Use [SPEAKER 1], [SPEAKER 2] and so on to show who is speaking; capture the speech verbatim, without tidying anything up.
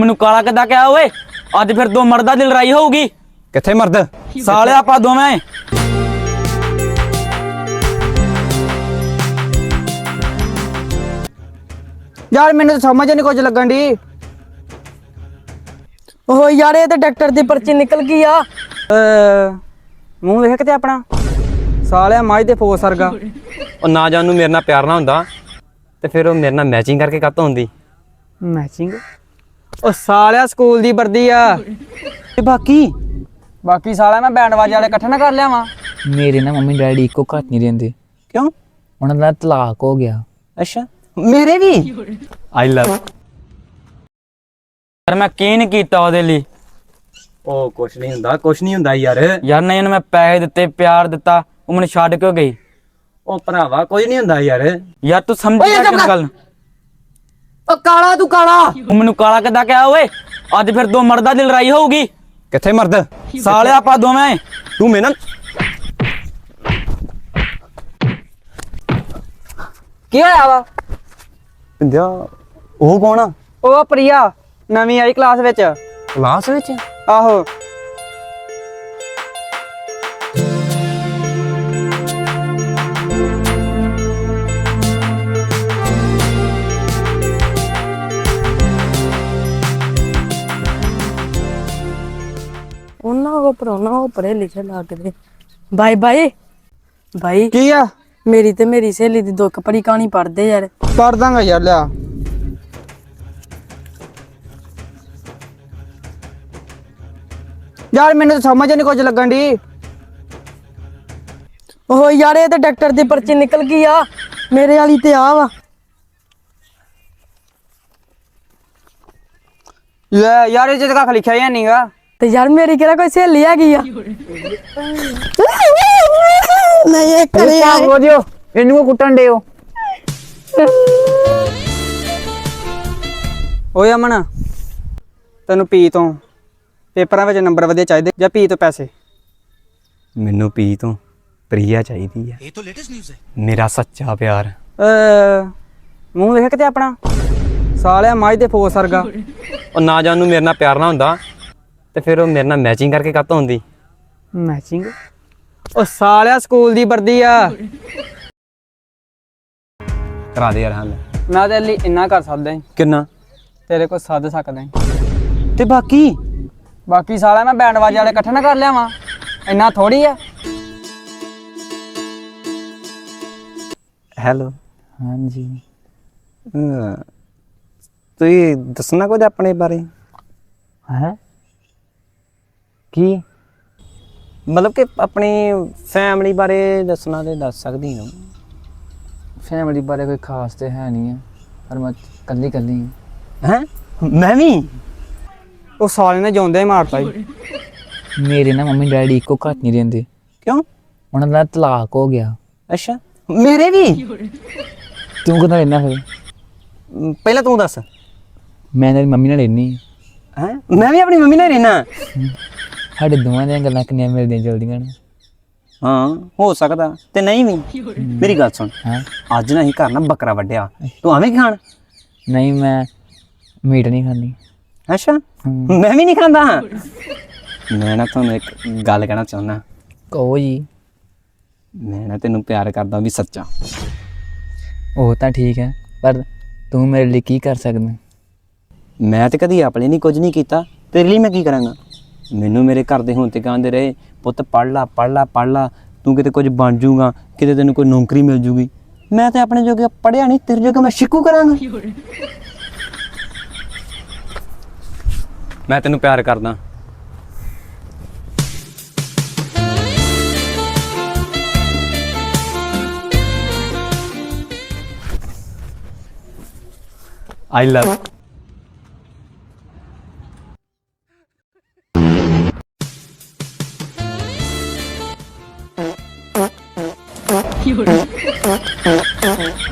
[SPEAKER 1] ਮੈਨੂੰ ਕਾਲਾ ਕਿੱਦਾਂ ਕਿਹਾ ਓਏ? ਅੱਜ ਫਿਰ ਦੋ ਮਰਦਾਂ ਦੀ ਲੜਾਈ ਹੋਊਗੀ।
[SPEAKER 2] ਕਿੱਥੇ ਮਰਦ?
[SPEAKER 1] ਸਾਲਿਆ ਆਪਾਂ ਦੋਵੇਂ।
[SPEAKER 2] ਯਾਰ ਮੈਨੂੰ ਤਾਂ ਸਮਝ ਨਹੀਂ ਕੁਝ ਲੱਗਣ ਦੀ।
[SPEAKER 3] ਓਹ ਯਾਰ ਇਹ ਤਾਂ ਡਾਕਟਰ ਦੀ ਪਰਚੀ ਨਿਕਲ ਗਈ ਆ।
[SPEAKER 2] ਮੂੰਹ ਵੇਖ ਕਿਤੇ ਆਪਣਾ ਸਾਲਿਆ ਮਾਝ ਦੇ ਫੋਸ ਵਰਗਾ।
[SPEAKER 4] ਉਹ ਨਾ ਜਾਣ ਨੂੰ ਮੇਰੇ ਨਾਲ ਪਿਆਰ ਨਾ ਹੁੰਦਾ ਤੇ ਫਿਰ ਉਹ ਮੇਰੇ ਨਾਲ ਮੈਚਿੰਗ ਕਰਕੇ ਕਾਤੋਂ ਹੁੰਦੀ।
[SPEAKER 2] ਮੈਚਿੰਗ? ਉਹ ਸਾਲਿਆ ਸਕੂਲ ਦੀ ਵਰਦੀ ਆ।
[SPEAKER 4] ਤੇ ਬਾਕੀ
[SPEAKER 2] ਬਾਕੀ ਸਾਲਿਆ ਮੈਂ ਬੈਂਡ ਵਾਜੇ ਵਾਲੇ ਇਕੱਠੇ ਨਾ ਕਰ ਲਿਆਵਾਂ।
[SPEAKER 5] ਮੇਰੇ ਨਾ ਮੰਮੀ ਡੈਡੀ ਇੱਕੋ ਘਰ ਨਹੀਂ ਰਹਿੰਦੇ।
[SPEAKER 4] ਕਿਉਂ?
[SPEAKER 5] ਉਹਨਾਂ ਦਾ ਤਲਾਕ ਹੋ ਗਿਆ।
[SPEAKER 4] ਅੱਛਾ ਮੇਰੇ ਵੀ। ਆਈ ਲਵ।
[SPEAKER 1] ਯਾਰ ਮੈਂ ਕੀ ਨਹੀਂ ਕੀਤਾ ਉਹਦੇ ਲਈ।
[SPEAKER 4] ਉਹ ਕੁਛ ਨਹੀਂ ਹੁੰਦਾ, ਕੁਛ ਨਹੀਂ ਹੁੰਦਾ ਯਾਰ।
[SPEAKER 1] ਯਾਰ ਨਹੀਂ ਉਹਨੂੰ ਮੈਂ ਪੈਸੇ ਦਿੱਤੇ, ਪਿਆਰ ਦਿੱਤਾ, ਉਹ ਮੈਨੂੰ ਛੱਡ ਕਿਉਂ ਗਈ?
[SPEAKER 4] ਉਹ ਭਰਾਵਾ ਕੁਝ ਨਹੀਂ ਹੁੰਦਾ ਯਾਰ।
[SPEAKER 1] ਯਾਰ ਤੂੰ ਸਮਝ ਕਿਸ ਗੱਲ?
[SPEAKER 2] ਓ ਕਾਲਾ ਤੂੰ ਕਾਲਾ।
[SPEAKER 1] ਉਹ ਮੈਨੂੰ ਕਾਲਾ ਕਿੱਦਾਂ ਕਿਹਾ ਓਏ? ਅੱਜ ਫਿਰ ਦੋ ਮਰਦਾਂ ਦੀ ਲੜਾਈ ਹੋਊਗੀ।
[SPEAKER 4] ਕਿੱਥੇ ਮਰਦ?
[SPEAKER 1] ਸਾਲਿਆ ਆਪਾਂ ਦੋਵੇਂ।
[SPEAKER 4] ਤੂੰ ਮੇਰੇ ਨਾਲ
[SPEAKER 2] ਕੀ ਹੋਇਆ ਵਾ?
[SPEAKER 4] ਪਿੰਦਿਆ ਉਹ ਕੌਣ ਆ?
[SPEAKER 2] ਉਹ ਪ੍ਰਿਆ ਨਵੀਂ ਆਈ ਕਲਾਸ ਵਿੱਚ।
[SPEAKER 4] ਕਲਾਸ ਵਿੱਚ?
[SPEAKER 2] ਆਹੋ।
[SPEAKER 3] ਉਹਨਾਂ ਕੋ ਪਰੋਣਾ ਉਹ ਪਰੇ ਲਿਖੇ ਲੱਗਦੇ। ਬਾਈ ਬਾਈ ਬਾਈ
[SPEAKER 2] ਕੀ ਆ?
[SPEAKER 3] ਮੇਰੀ ਤੇ ਮੇਰੀ ਸਹੇਲੀ ਦੀ ਦੁੱਖ ਭਰੀ ਕਹਾਣੀ ਪੜ੍ਹਦੇ ਯਾਰ।
[SPEAKER 2] ਕਰ ਦਾਂਗਾ ਯਾਰ, ਲਿਆ। ਯਾਰ ਮੈਨੂੰ ਤਾਂ ਸਮਝ ਨਹੀਂ ਕੁਝ ਲੱਗਣ ਦੀ।
[SPEAKER 3] ਓਹ ਯਾਰ ਇਹ ਤਾਂ ਡਾਕਟਰ ਦੀ ਪਰਚੀ ਨਿਕਲ ਗਈ ਆ। ਮੇਰੇ ਵਾਲੀ ਤੇ ਆ ਵਾ।
[SPEAKER 2] ਲੈ ਯਾਰ ਇਹ ਚ ਤਾਂ ਲਿਖਿਆ ਹੀ ਨਹੀਂਗਾ।
[SPEAKER 3] ਤੇ ਯਾਰ ਮੇਰੀ ਕਿਹੜਾ ਕੋਈ ਸਹੇਲੀ ਹੈਗੀ ਆ? ਨਹੀਂ ਇਹ ਕਰੇ ਆ।
[SPEAKER 2] ਹੋ ਜਿਓ ਇਹਨੂੰ ਕੋ ਕੁੱਟਣ ਦਿਓ। ਓਏ ਅਮਨ, ਤੈਨੂੰ ਪੀ ਤੋਂ ਪੇਪਰਾਂ ਵਿੱਚ ਨੰਬਰ ਵਧੀਆ ਚਾਹੀਦੇ ਜਾਂ ਪੀ ਤੋਂ ਪੈਸੇ?
[SPEAKER 4] ਮੈਨੂੰ ਪੀ ਤੋਂ ਪ੍ਰਿਆ ਚਾਹੀਦੀ ਹੈ। ਇਹ ਤਾਂ ਲੇਟੈਸਟ ਨਿਊਜ਼ ਹੈ। ਮੇਰਾ ਸੱਚਾ ਪਿਆਰ।
[SPEAKER 2] ਅ ਮੂੰਹ ਵੇਖ ਕਿਤੇ ਆਪਣਾ ਸਾਲਿਆ ਮਾਝ ਦੇ ਫੋਸ ਵਰਗਾ।
[SPEAKER 4] ਉਹ ਨਾ ਜਾਣ ਨੂੰ ਮੇਰੇ ਨਾਲ ਪਿਆਰ ਨਾ ਹੁੰਦਾ ਤੇ ਫਿਰ ਉਹ ਮੇਰੇ ਨਾਲ ਮੈਚਿੰਗ ਕਰਕੇ ਕਾਤੋਂ ਹੁੰਦੀ।
[SPEAKER 2] ਮੈਚਿੰਗ? ਉਹ ਸਾਲਿਆ ਸਕੂਲ ਦੀ ਵਰਦੀ ਆ।
[SPEAKER 4] ਕਰਾ ਦੇ ਯਾਰ ਹੱਲ।
[SPEAKER 2] ਮੈਂ ਤੇਰੇ ਲਈ ਇੰਨਾ ਕਰ ਸਕਦਾ ਹਾਂ,
[SPEAKER 4] ਕਿੰਨਾ?
[SPEAKER 2] ਤੇਰੇ ਕੋਲ ਸੱਦ ਸਕਦਾ ਹਾਂ।
[SPEAKER 4] ਤੇ ਬਾਕੀ
[SPEAKER 2] ਬਾਕੀ ਸਾਲਿਆ ਮੈਂ ਬੈਂਡ ਵਾਜੇ ਵਾਲੇ ਇਕੱਠੇ ਨਾ ਕਰ ਲਿਆਵਾਂ। ਇੰਨਾ ਥੋੜੀ ਆ।
[SPEAKER 4] ਹੈਲੋ।
[SPEAKER 5] ਹਾਂਜੀ।
[SPEAKER 4] ਤੁਸੀਂ ਦੱਸਣਾ ਕੁਝ ਆਪਣੇ ਬਾਰੇ?
[SPEAKER 5] ਹੈ ਕੀ?
[SPEAKER 4] ਮਤਲਬ ਕਿ ਆਪਣੀ ਫੈਮਿਲੀ ਬਾਰੇ ਦੱਸਣਾ ਤੇ ਦੱਸ ਸਕਦੀ ਹਾਂ।
[SPEAKER 5] ਫੈਮਿਲੀ ਬਾਰੇ ਕੋਈ ਖਾਸ ਤੇ ਹੈ ਨਹੀਂ ਆ, ਪਰ ਮੈਂ ਕੱਲੀ ਕੱਲੀ
[SPEAKER 4] ਹੈਂ? ਮੈਂ ਵੀ।
[SPEAKER 2] ਉਹ ਸਾਲੇ ਨੇ ਜਿਉਂਦੇ ਹੀ ਮਾਰਤਾ ਜੀ।
[SPEAKER 5] ਮੇਰੇ ਨਾ ਮੰਮੀ ਡੈਡੀ ਇੱਕੋ ਘਰ ਨਹੀਂ ਰਹਿੰਦੇ।
[SPEAKER 4] ਕਿਉਂ?
[SPEAKER 5] ਉਹਨਾਂ ਦਾ ਤਲਾਕ ਹੋ ਗਿਆ।
[SPEAKER 4] ਅੱਛਾ ਮੇਰੇ ਵੀ।
[SPEAKER 5] ਤੂੰ ਕਿੱਦਾਂ ਰਹਿਣਾ ਫਿਰ?
[SPEAKER 4] ਪਹਿਲਾਂ ਤੂੰ ਦੱਸ।
[SPEAKER 5] ਮੈਂ ਤੇਰੀ ਮੰਮੀ ਨਾਲ ਰਹਿਨੀ।
[SPEAKER 4] ਹੈਂ? ਮੈਂ ਵੀ ਆਪਣੀ ਮੰਮੀ ਨਾਲ ਰਹਿਣਾ।
[SPEAKER 5] ਸਾਡੇ ਦੋਵਾਂ ਦੀਆਂ ਗੱਲਾਂ ਕਿੰਨੀਆਂ ਮਿਲਦੀਆਂ ਜਲਦੀਆਂ ਨੇ।
[SPEAKER 4] ਹਾਂ ਹੋ ਸਕਦਾ ਤੇ ਨਹੀਂ ਵੀ। ਮੇਰੀ ਗੱਲ ਸੁਣ,
[SPEAKER 5] ਹਾਂ
[SPEAKER 4] ਅੱਜ ਨਾ ਅਸੀਂ ਘਰ ਨਾ ਬੱਕਰਾ ਵੱਢਿਆ, ਤੂੰ ਆਵੇਂ ਖਾਣ?
[SPEAKER 5] ਨਹੀਂ, ਮੈਂ ਮੀਟ ਨਹੀਂ ਖਾਂਦੀ।
[SPEAKER 4] ਅੱਛਾ ਮੈਂ ਵੀ ਨਹੀਂ ਖਾਂਦਾ। ਮੈਂ ਨਾ ਤੁਹਾਨੂੰ ਇੱਕ ਗੱਲ ਕਹਿਣਾ ਚਾਹੁੰਦਾ।
[SPEAKER 5] ਕਹੋ ਜੀ।
[SPEAKER 4] ਮੈਂ ਨਾ ਤੈਨੂੰ ਪਿਆਰ ਕਰਦਾ ਵੀ ਸੱਚਾ।
[SPEAKER 5] ਉਹ ਤਾਂ ਠੀਕ ਹੈ, ਪਰ ਤੂੰ ਮੇਰੇ ਲਈ ਕੀ ਕਰ ਸਕਦਾ?
[SPEAKER 4] ਮੈਂ ਤੇ ਕਦੀ ਆਪਣੇ ਲਈ ਕੁਝ ਨਹੀਂ ਕੀਤਾ, ਤੇਰੇ ਲਈ ਮੈਂ ਕੀ ਕਰਾਂਗਾ? ਮੈਨੂੰ ਮੇਰੇ ਘਰ ਦੇ ਹੁਣ ਤੇ ਕਹਿੰਦੇ ਰਹੇ, ਪੁੱਤ ਪੜ੍ਹ ਲਾ ਪੜ੍ਹ ਲਾ ਪੜ੍ਹ ਲਾ, ਤੂੰ ਕਿਤੇ ਕੁਝ ਬਣ ਜਾਊਗਾ, ਕਿਤੇ ਤੈਨੂੰ ਕੋਈ ਨੌਕਰੀ ਮਿਲ ਜੂਗੀ। ਮੈਂ ਤੇ ਆਪਣੇ ਜੋਗਾ ਪੜ੍ਹਿਆ ਨਹੀਂ, ਤੇਰੇ ਜੋਗਾ ਮੈਂ ਸ਼ਿਕੂ ਕਰਾਂਗਾ। ਮੈਂ ਤੈਨੂੰ ਪਿਆਰ ਕਰਦਾ। I love you.